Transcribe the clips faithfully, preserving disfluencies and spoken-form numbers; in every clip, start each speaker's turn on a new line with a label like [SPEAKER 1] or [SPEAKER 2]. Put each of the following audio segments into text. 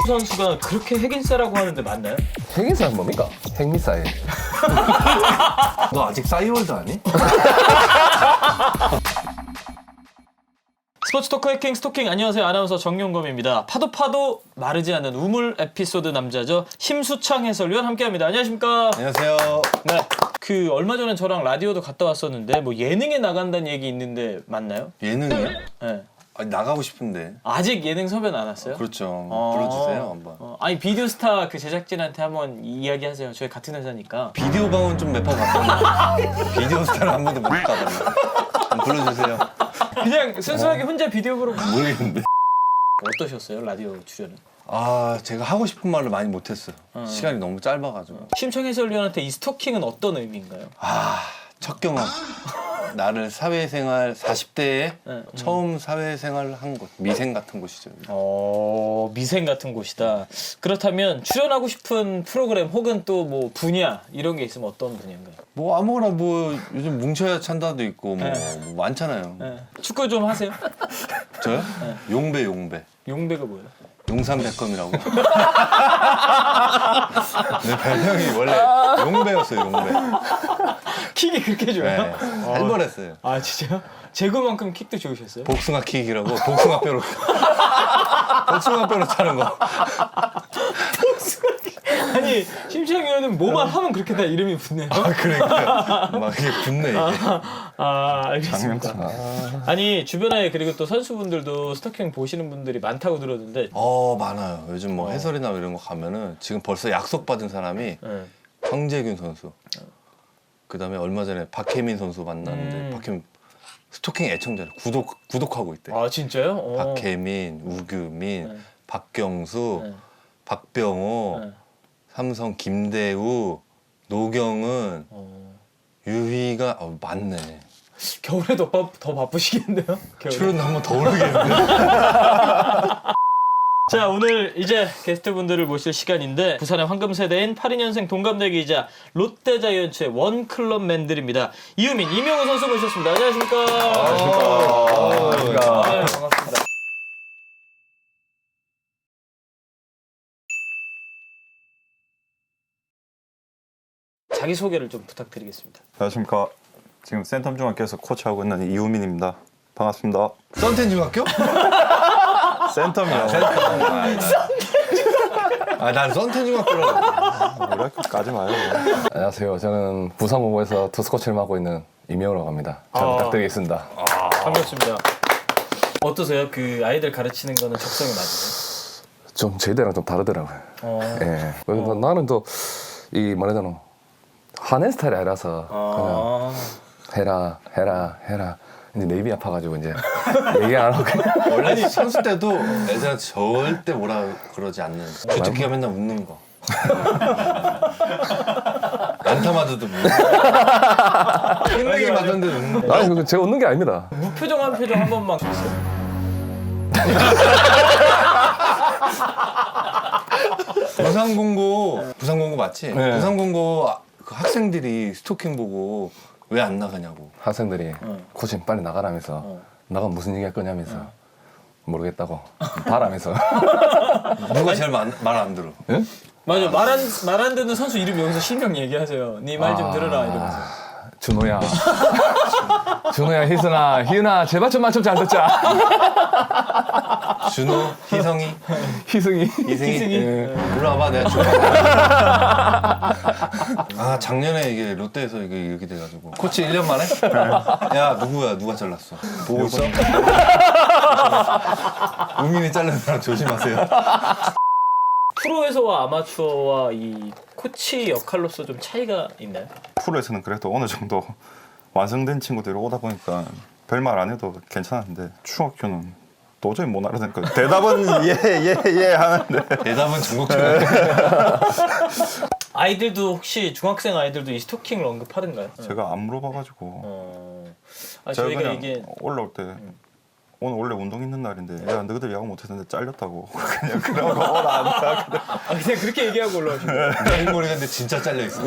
[SPEAKER 1] 선수가 그렇게 핵인싸라고 하는데 맞나요?
[SPEAKER 2] 핵인싸는 뭡니까? 핵미사일.
[SPEAKER 3] 너 아직 싸이월드 아니?
[SPEAKER 1] 스포츠 토크 해킹 스토킹. 안녕하세요, 아나운서 정용검입니다. 파도 파도 마르지 않는 우물 에피소드 남자죠. 심수창 해설위원 함께합니다. 안녕하십니까?
[SPEAKER 3] 안녕하세요.
[SPEAKER 1] 네. 그 얼마 전에 저랑 라디오도 갔다 왔었는데 뭐 예능에 나간다는 얘기 있는데 맞나요?
[SPEAKER 3] 예능이요?
[SPEAKER 1] 네.
[SPEAKER 3] 아니, 나가고 싶은데.
[SPEAKER 1] 아직 예능 섭외는 안 왔어요?
[SPEAKER 3] 그렇죠.
[SPEAKER 1] 어.
[SPEAKER 3] 불러주세요 한번.
[SPEAKER 1] 어, 아니 비디오스타 그 제작진한테 한번 이야기하세요. 저희 같은 회사니까.
[SPEAKER 3] 비디오 방은 좀 몇 번 갔었는데 비디오 스타를 한 번도 못 가봤네. 한번 불러주세요.
[SPEAKER 1] 그냥 순수하게 혼자 비디오 보러
[SPEAKER 3] 모르겠는데.
[SPEAKER 1] 어떠셨어요? 라디오 출연은?
[SPEAKER 3] 아 제가 하고 싶은 말을 많이 못했어요.
[SPEAKER 1] 어.
[SPEAKER 3] 시간이 너무 짧아가지고.
[SPEAKER 1] 심청 해설위원한테 이 스토킹은 어떤 의미인가요?
[SPEAKER 3] 아첫 경험. 나를 사회생활 사십 대에
[SPEAKER 1] 네, 음.
[SPEAKER 3] 처음 사회생활을 한 곳. 미생 같은 곳이죠.
[SPEAKER 1] 어, 미생 같은 곳이다. 그렇다면 출연하고 싶은 프로그램 혹은 또 뭐 분야 이런 게 있으면 어떤 분야인가요?
[SPEAKER 3] 뭐 아무거나 뭐 요즘 뭉쳐야 찬다도 있고 뭐,
[SPEAKER 1] 네.
[SPEAKER 3] 뭐 많잖아요.
[SPEAKER 1] 네. 축구 좀 하세요?
[SPEAKER 3] 저요?
[SPEAKER 1] 네.
[SPEAKER 3] 용배 용배.
[SPEAKER 1] 용배가 뭐예요?
[SPEAKER 3] 용산백검이라고. 내 별명이 원래 용배였어요, 용배.
[SPEAKER 1] 킥이 그렇게 좋아요?
[SPEAKER 3] 네, 살벌했어요.
[SPEAKER 1] 아 진짜요? 제구만큼 킥도 좋으셨어요?
[SPEAKER 3] 복숭아 킥이라고, 복숭아 뼈로. 복숭아 뼈로 차는 거.
[SPEAKER 1] 아니 심청 의원은 뭐만 하면 그렇게 다 이름이 붙네요.
[SPEAKER 3] 아, 그러니까. 막 이게 붙네, 이게.
[SPEAKER 1] 아 알겠습니다. 아니 주변에 그리고 또 선수분들도 스토킹 보시는 분들이 많다고 들었는데
[SPEAKER 3] 어, 많아요. 요즘 뭐
[SPEAKER 1] 어.
[SPEAKER 3] 해설이나 이런 거 가면은 지금 벌써 약속받은 사람이
[SPEAKER 1] 네.
[SPEAKER 3] 황재균 선수. 그 다음에 얼마 전에 박혜민 선수 만났는데,
[SPEAKER 1] 음.
[SPEAKER 3] 박혜민 스토킹 애청자를 구독, 구독하고 있대.
[SPEAKER 1] 아 진짜요? 어.
[SPEAKER 3] 박혜민, 우규민,
[SPEAKER 1] 네.
[SPEAKER 3] 박경수,
[SPEAKER 1] 네.
[SPEAKER 3] 박병호,
[SPEAKER 1] 네.
[SPEAKER 3] 삼성 김대우, 노경은,
[SPEAKER 1] 어.
[SPEAKER 3] 유희가 어, 많네.
[SPEAKER 1] 겨울에 더, 바, 더 바쁘시겠네요? 겨울에.
[SPEAKER 3] 출연 한번 더 오르겠는데.
[SPEAKER 1] 자 오늘 이제 게스트분들을 모실 시간인데 부산의 황금세대인 팔십이 년생 동갑내기이자 롯데자이언츠의 원클럽맨들입니다. 이유민, 이명호 선수 모셨습니다. 안녕하십니까?
[SPEAKER 3] 안녕하십니까.
[SPEAKER 1] 네, 반갑습니다. 자기소개를 좀 부탁드리겠습니다.
[SPEAKER 4] 안녕하십니까. 지금 센텀중학교에서 코치하고 있는 이우민입니다. 반갑습니다.
[SPEAKER 3] 썬텐 중학교?
[SPEAKER 4] 센텀이요.
[SPEAKER 3] 아, 난 썬텐 중학교라고.
[SPEAKER 4] 이렇게까지 마요.
[SPEAKER 2] 안녕하세요. 저는 부산고고에서 투수 코치를 맡고 있는 이명호라고 합니다. 잘
[SPEAKER 1] 아.
[SPEAKER 2] 부탁드리겠습니다.
[SPEAKER 1] 반갑습니다. 어떠세요? 그 아이들 가르치는 거는 적성에 맞으세요?
[SPEAKER 2] 좀 저희들이랑 좀 다르더라고요.
[SPEAKER 1] 어.
[SPEAKER 2] 예. 그래서 나는 또 이 말하자면 화낸 스타일이 아니라서
[SPEAKER 1] 아.
[SPEAKER 2] 그냥 해라 해라 해라. 이제 내 입이 아파가지고 이제 얘기 안 하고 그냥
[SPEAKER 3] 원래 선수 때도 애들한테 절대 뭐라 그러지 않는. 주특기가 맨날 웃는 거. 안타 맞아도 웃는 거. 끝내기 맞았는데 웃는 거.
[SPEAKER 2] 아니 그거 제가 웃는 게 아닙니다.
[SPEAKER 1] 무표정 한 표정 한 번만 주세요.
[SPEAKER 3] 부산공고, 부산공고 맞지?
[SPEAKER 2] 네.
[SPEAKER 3] 부산공고 그 학생들이 스토킹 보고 왜 안 나가냐고.
[SPEAKER 2] 학생들이
[SPEAKER 1] 어.
[SPEAKER 2] 코치 빨리 나가라면서
[SPEAKER 1] 어.
[SPEAKER 2] 나가면 무슨 얘기 할 거냐면서 모르겠다고 바라면서
[SPEAKER 3] 누가 제일 말 안 들어?
[SPEAKER 2] 예?
[SPEAKER 1] 맞아. 말 안 말 안 듣는 선수 이름 여기서 실명 얘기하세요. 네 말 좀 들어라 이러면서.
[SPEAKER 2] 준호야 준호야 희승아 희은아 제발 좀 말 좀 잘 듣자.
[SPEAKER 3] 준호, 희성이,
[SPEAKER 2] 희승이
[SPEAKER 3] 이승이.
[SPEAKER 1] 희승이.
[SPEAKER 2] 예.
[SPEAKER 3] 올라와봐, 내가 줘. 아, 작년에 이게 롯데에서 이게 이렇게 돼가지고. 코치 일 년 만에? 야, 누구야? 누가 잘랐어? 보고 있어? 우민이 잘린 사람 조심하세요.
[SPEAKER 1] 프로에서와 아마추어와 이 코치 역할로서 좀 차이가 있나요?
[SPEAKER 4] 프로에서는 그래도 어느 정도 완성된 친구들이 오다 보니까 별말 안 해도 괜찮았는데 중학교는 도저히 못 알아듣니까 대답은 예예예 예, 예 하는데
[SPEAKER 3] 대답은 중국처럼.
[SPEAKER 1] 아이들도 혹시 중학생 아이들도 이 스토킹을 언급하던가요?
[SPEAKER 4] 제가 안 물어봐가지고
[SPEAKER 1] 어. 아,
[SPEAKER 4] 제가
[SPEAKER 1] 저희가
[SPEAKER 4] 그냥
[SPEAKER 1] 이게
[SPEAKER 4] 올라올 때 오늘 원래 운동 있는 날인데 야 너희들 야구 못했는데 잘렸다고 그냥 그러고 오라 안 가.
[SPEAKER 1] 아, 그냥 그렇게 얘기하고 올라오신 거예요?
[SPEAKER 3] 머리가 근데 진짜 잘려있어.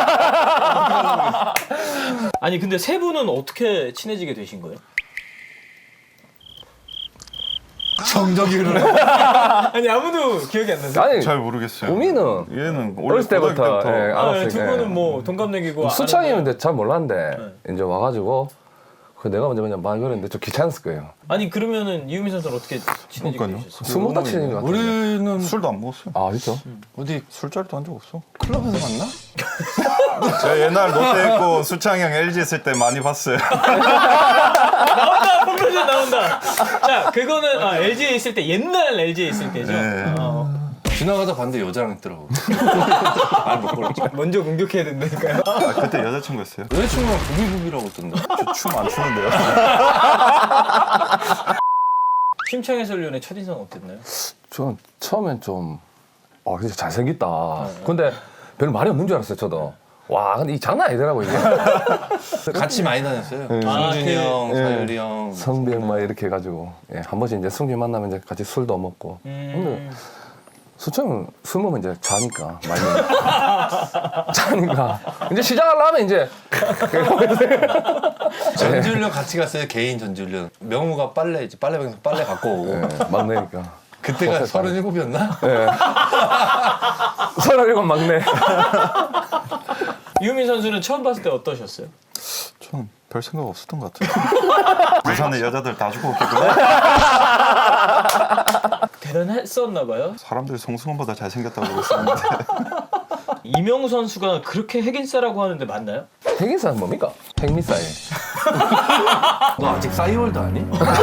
[SPEAKER 1] 아니 근데 세 분은 어떻게 친해지게 되신 거예요?
[SPEAKER 3] 정적이를.
[SPEAKER 1] 아니 아무도 기억이 안 나세요?
[SPEAKER 2] 아니
[SPEAKER 4] 잘 모르겠어요.
[SPEAKER 2] 우미는
[SPEAKER 4] 얘는 원래
[SPEAKER 2] 어렸을 때부터
[SPEAKER 4] 고등학교 때부터
[SPEAKER 2] 예,
[SPEAKER 1] 아,
[SPEAKER 2] 알았어요.
[SPEAKER 1] 두
[SPEAKER 2] 예.
[SPEAKER 1] 분은 뭐 동갑내기고
[SPEAKER 2] 수창이면
[SPEAKER 1] 아는데-
[SPEAKER 2] 근데 잘 몰랐는데 이제 와가지고 그 내가 먼저 그냥 말 걸었는데 좀 귀찮았을 거예요.
[SPEAKER 1] 아니 그러면은 이유민 선수는 어떻게 친해지게
[SPEAKER 4] 그러니까요.
[SPEAKER 1] 되셨어요?
[SPEAKER 2] 술 먹다 친해진 것 같은데.
[SPEAKER 3] 우리는
[SPEAKER 4] 술도 안 먹었어요.
[SPEAKER 2] 아 진짜?
[SPEAKER 3] 어디
[SPEAKER 4] 술자리도 한 적 없어.
[SPEAKER 3] 클럽에서 만나?
[SPEAKER 4] 제가 옛날 롯데 있고 수창이 형 엘지 있을 때 많이 봤어요.
[SPEAKER 1] 나온다 펑크전 나온다. 자 그거는 아, 엘지에 있을 때 옛날 엘지에 있을 때죠.
[SPEAKER 4] 네.
[SPEAKER 1] 어,
[SPEAKER 3] 지나가다 봤는데 여자랑 있더라고. 알못 걸었죠.
[SPEAKER 1] 먼저 공격해야 된다니까요.
[SPEAKER 4] 아, 그때 여자친구였어요.
[SPEAKER 3] 여자친구랑 부비부비라고 했던데.
[SPEAKER 4] 춤 안 추는데요.
[SPEAKER 1] 심창 해설위원의 첫인상 어땠나요?
[SPEAKER 2] 저는 처음엔 좀 어, 진짜 잘생겼다. 근데 별로 말이 없는 줄 알았어요, 저도. 와, 근데 이 장난 아니더라고, 이게.
[SPEAKER 3] 같이 많이 다녔어요.
[SPEAKER 1] 아,
[SPEAKER 3] 승준이
[SPEAKER 1] 그-
[SPEAKER 3] 형,
[SPEAKER 2] 예.
[SPEAKER 3] 사율이 형.
[SPEAKER 2] 성병 막 이렇게 해가지고. 예, 한 번씩 이제 승규 만나면 이제 같이 술도 먹고. 근데
[SPEAKER 1] 음,
[SPEAKER 2] 수청은 술 먹으면 이제 자니까, 많이. 자니까. 이제 시작하려면 이제.
[SPEAKER 3] 전지훈련 같이 갔어요. 개인 전지훈련. 명우가 빨래 이제 빨래방에서 빨래 갖고 오고.
[SPEAKER 2] 예, 막내니까.
[SPEAKER 3] 그때가 서른일곱이었나?
[SPEAKER 2] 예. 서른일곱 막내.
[SPEAKER 1] 이유민 선수는 처음 봤을 때 어떠셨어요?
[SPEAKER 4] 저는 별 생각 없었던 것 같아요. 부산에 여자들 다 죽어 없겠구나.
[SPEAKER 1] 대단했었나 봐요.
[SPEAKER 4] 사람들이 송승헌보다 잘생겼다고 그랬었는데.
[SPEAKER 1] 이명우 선수가 그렇게 핵인싸라고 하는데 맞나요?
[SPEAKER 2] 핵인사는 뭡니까? 핵미사일.
[SPEAKER 3] 너 아직 싸이월드 아니?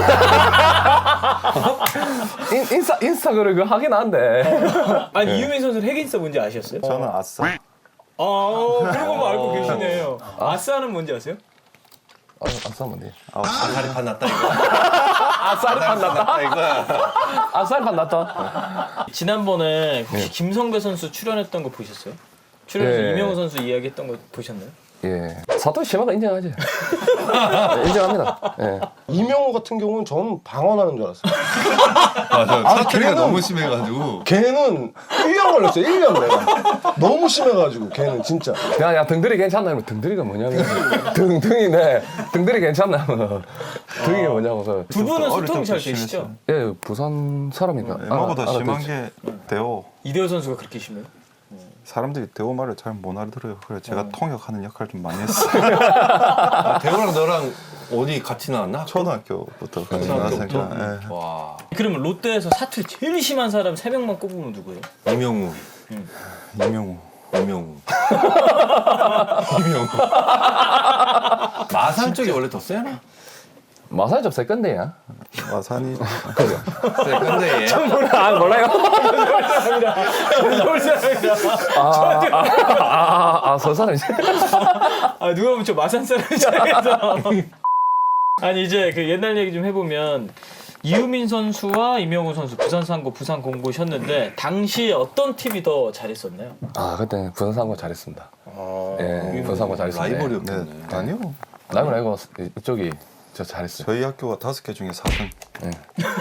[SPEAKER 2] 인, 인스타, 인스타그램 그거 하긴 한데.
[SPEAKER 1] 아니 이유민 선수는 핵인싸 뭔지 아셨어요?
[SPEAKER 4] 저는 아싸.
[SPEAKER 1] 아 그런 거 알고 계시네요. 아싸는 뭔지 아세요?
[SPEAKER 2] 아, 아싸 뭔데?
[SPEAKER 3] 아사리 판 났다 이거.
[SPEAKER 2] 아싸리 판났다?
[SPEAKER 3] 이거야.
[SPEAKER 2] 아싸리 판났다?
[SPEAKER 1] 지난번에 혹시 김성배 선수 출연했던 거 보셨어요? 출연해서
[SPEAKER 2] 예.
[SPEAKER 1] 이명우 선수 이야기했던 거 보셨나요?
[SPEAKER 2] 예. 사토 시마가 인정하지. 네, 인정합니다. 예.
[SPEAKER 5] 이명호 같은 경우는 저는 방언하는 줄 알았어요.
[SPEAKER 3] 맞아. 사투리가
[SPEAKER 5] 걔는-
[SPEAKER 3] 너무 심해가지고.
[SPEAKER 5] 걔는 일 년 걸렸어요. 일 년 내가. 너무 심해가지고 걔는 진짜.
[SPEAKER 2] 야, 야, 등들이 괜찮나? 이러면 등들이가 뭐냐면. 등, 등이네. 등들이 괜찮나? 등이 뭐냐고. 그.
[SPEAKER 1] 두 분은
[SPEAKER 4] 어릴
[SPEAKER 1] 소통이 잘
[SPEAKER 4] 때부터
[SPEAKER 1] 되시죠?
[SPEAKER 4] 심했어요.
[SPEAKER 2] 예, 부산 사람이니까.
[SPEAKER 4] 엠마보다
[SPEAKER 2] 알아-
[SPEAKER 4] 심한
[SPEAKER 2] 알아듣지.
[SPEAKER 4] 게 대호.
[SPEAKER 1] 이대호 선수가 그렇게 심해요?
[SPEAKER 4] 사람들이 대호 말을 잘 못 알아들어요. 그래서 제가 통역하는 역할을 좀 많이 했어요.
[SPEAKER 3] 아, 대호랑 너랑 어디 같이 나왔나?
[SPEAKER 4] 초등학교부터 같이
[SPEAKER 3] 초등학교부터?
[SPEAKER 4] 나왔으니까. 예.
[SPEAKER 3] 와.
[SPEAKER 1] 그러면 롯데에서 사투리 제일 심한 사람 세 명만 꼽으면 누구예요?
[SPEAKER 3] 이명우.
[SPEAKER 4] 이명우.
[SPEAKER 3] 이명우. 이명우. 마산 쪽이 원래 더 세나?
[SPEAKER 2] 마사지 좀 세건데야.
[SPEAKER 4] 마산이
[SPEAKER 3] 근데 얘.
[SPEAKER 2] 아, 몰라요?
[SPEAKER 1] 서울 사람이다.
[SPEAKER 2] 아, 아, 아, 아, 서 사람이지.
[SPEAKER 1] 아 누가 보면 저 마산 사람이잖아요. 아니 이제 그 옛날 얘기 좀 해보면 이유민 선수와 이명우 선수 부산 상고 부산 공고셨는데 당시에 어떤 팀이 더 잘했었나요?
[SPEAKER 2] 아, 그때 부산 상고 잘했습니다.
[SPEAKER 1] 아,
[SPEAKER 2] 예, 부산 상고 잘했습니다.
[SPEAKER 4] 네.
[SPEAKER 3] 라이벌이었겠네.
[SPEAKER 4] 아니요.
[SPEAKER 2] 라이벌 아니고 이쪽이 저 잘했어요.
[SPEAKER 4] 저희 학교가 다섯 개 중에 사 등.
[SPEAKER 2] 예.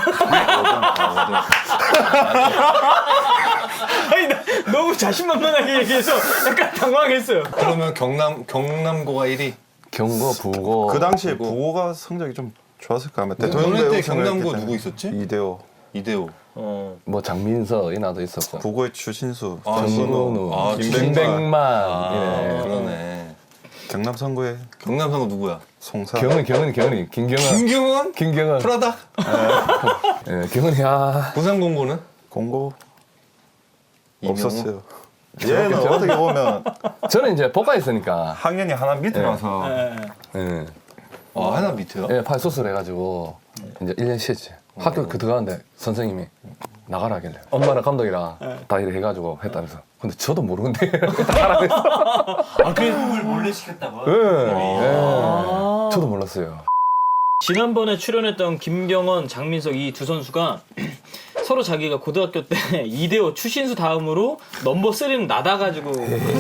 [SPEAKER 1] 아니 나 너무 자신만만하게 얘기해서 약간 당황했어요.
[SPEAKER 3] 그러면 경남 경남고가 일 위.
[SPEAKER 2] 경고, 부고.
[SPEAKER 4] 그 당시에 부호가 성적이 좀 좋았을 거야.
[SPEAKER 3] 너네 때 경남고 누구 있었지?
[SPEAKER 4] 이대호.
[SPEAKER 3] 이대호.
[SPEAKER 1] 어.
[SPEAKER 2] 뭐 장민서 이나도 있었고.
[SPEAKER 4] 부고의 추신수,
[SPEAKER 3] 아,
[SPEAKER 2] 정근우,
[SPEAKER 3] 아,
[SPEAKER 2] 김백만,
[SPEAKER 3] 아,
[SPEAKER 2] 예.
[SPEAKER 3] 그러네.
[SPEAKER 4] 경남 선거의
[SPEAKER 3] 경남상고 누구야?
[SPEAKER 4] 송사.
[SPEAKER 2] 경은 경은 경은이 김경은
[SPEAKER 3] 김경원?
[SPEAKER 2] 김경은
[SPEAKER 3] 프라다?
[SPEAKER 2] 예, 경은이 아
[SPEAKER 3] 부산공고는?
[SPEAKER 4] 공고
[SPEAKER 3] 이명우?
[SPEAKER 4] 없었어요. 얘는 어떻게 보면
[SPEAKER 2] 저는 이제 복가 있으니까
[SPEAKER 4] 학년이 하나 밑이라서
[SPEAKER 1] 예, 예.
[SPEAKER 2] 예,
[SPEAKER 3] 아, 하나 밑에요?
[SPEAKER 2] 예, 팔 수술 해가지고 이제 일 년 쉬었지. 학교 그 들어가는데 선생님이 나가라 하길래 엄마랑 감독이랑 다 일을 해가지고 했다면서. 근데 저도 모르는데 나가라 했어.
[SPEAKER 1] 아 그래 을 몰래 시켰다고?
[SPEAKER 2] 예, 예. 저도 몰랐어요.
[SPEAKER 1] 지난번에 출연했던 김경원, 장민석 이 두 선수가 서로 자기가 고등학교 때 이대호, 추신수 다음으로 넘버 쓰리는 나다가지고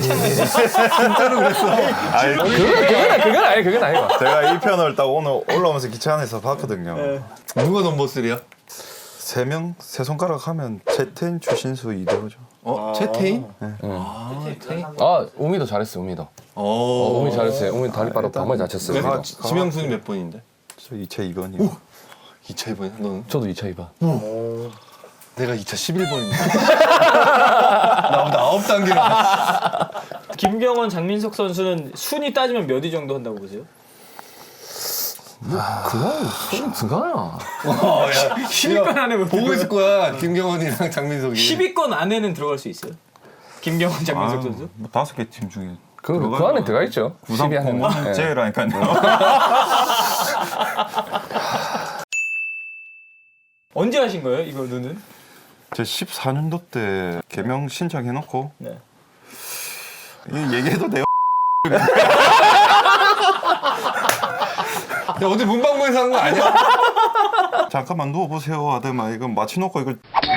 [SPEAKER 4] 아니,
[SPEAKER 2] 그건 그건 그건 아니 그건 아니고.
[SPEAKER 4] 제가 이 편을 딱 오늘 올라오면서 기차 안에서 봤거든요.
[SPEAKER 3] 누가 넘버 쓰리야?
[SPEAKER 4] 세 명 세 손가락 하면 채태인, 추신수, 이대호죠.
[SPEAKER 3] 어? 채태인?
[SPEAKER 2] 응.
[SPEAKER 3] 아, 채태인?
[SPEAKER 2] 아 우미도 잘했어 우미도. 어,
[SPEAKER 3] 어,
[SPEAKER 2] 우미 잘했어요. 우미 다리 빠로
[SPEAKER 4] 일단
[SPEAKER 2] 정말 잘 쳤어요.
[SPEAKER 3] 아,
[SPEAKER 2] 우미도.
[SPEAKER 3] 지- 지명순이 몇 번인데?
[SPEAKER 4] 저 이채 이건이요.
[SPEAKER 3] 이 차 이 번이야? 너는?
[SPEAKER 2] 저도 이 차 이 번.
[SPEAKER 3] 내가 이 차 십일 번입니다. 나보다 아홉 단계로.
[SPEAKER 1] 김경원, 장민석 선수는 순위 따지면 몇 위 정도 한다고 보세요?
[SPEAKER 2] 그건 손이 들어가야.
[SPEAKER 3] 어, 야,
[SPEAKER 1] 십 위권 안에 못
[SPEAKER 3] 보고 있을 거야. 김경원이랑 장민석이.
[SPEAKER 1] 십 위권 안에는 들어갈 수 있어요? 김경원, 장민석 선수?
[SPEAKER 4] 뭐 다섯 개 팀 중에
[SPEAKER 2] 그, 그 안에 들어가 있죠.
[SPEAKER 4] 부산
[SPEAKER 2] 십위 안에는.
[SPEAKER 4] 공원
[SPEAKER 2] 예.
[SPEAKER 4] 제라니까요.
[SPEAKER 1] 언제 하신 거예요, 이거 눈은?
[SPEAKER 4] 제 십사 년도 때 개명 신청해놓고
[SPEAKER 1] 네.
[SPEAKER 4] 이 얘기해도 돼요?
[SPEAKER 3] 야, 어디 문방구에서 한 거 아니야?
[SPEAKER 4] 잠깐만 누워보세요 하더만 이거 마취놓고 이걸